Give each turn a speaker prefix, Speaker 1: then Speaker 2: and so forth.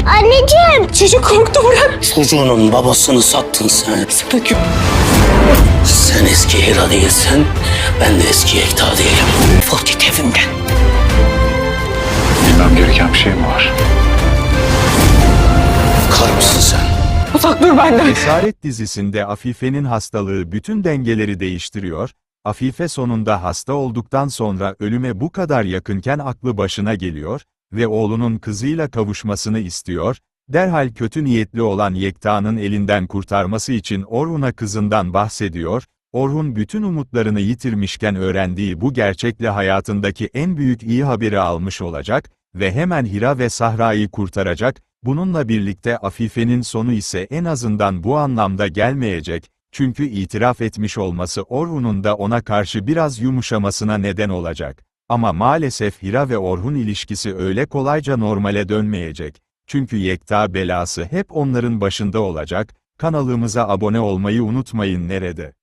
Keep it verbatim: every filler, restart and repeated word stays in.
Speaker 1: Anneciğim.
Speaker 2: Çocuk korktu, bırak.
Speaker 3: Çocuğunun babasını sattın sen.
Speaker 2: Sana kü...
Speaker 3: Sen eski Hira değilsin, ben de eski Yekta değilim. Defol git evimden.
Speaker 4: Bilmem gereken bir şey mi var?
Speaker 3: Kar mısın sen?
Speaker 2: Uzak dur benden.
Speaker 5: Esaret dizisinde Afife'nin hastalığı bütün dengeleri değiştiriyor, Afife sonunda hasta olduktan sonra ölüme bu kadar yakınken aklı başına geliyor ve oğlunun kızıyla kavuşmasını istiyor, derhal kötü niyetli olan Yekta'nın elinden kurtarması için Orhun'a kızından bahsediyor, Orhun bütün umutlarını yitirmişken öğrendiği bu gerçekle hayatındaki en büyük iyi haberi almış olacak ve hemen Hira ve Sahra'yı kurtaracak. Bununla birlikte Afife'nin sonu ise en azından bu anlamda gelmeyecek, çünkü itiraf etmiş olması Orhun'un da ona karşı biraz yumuşamasına neden olacak. Ama maalesef Hira ve Orhun ilişkisi öyle kolayca normale dönmeyecek. Çünkü Yekta belası hep onların başında olacak. Kanalımıza abone olmayı unutmayın. Nerede?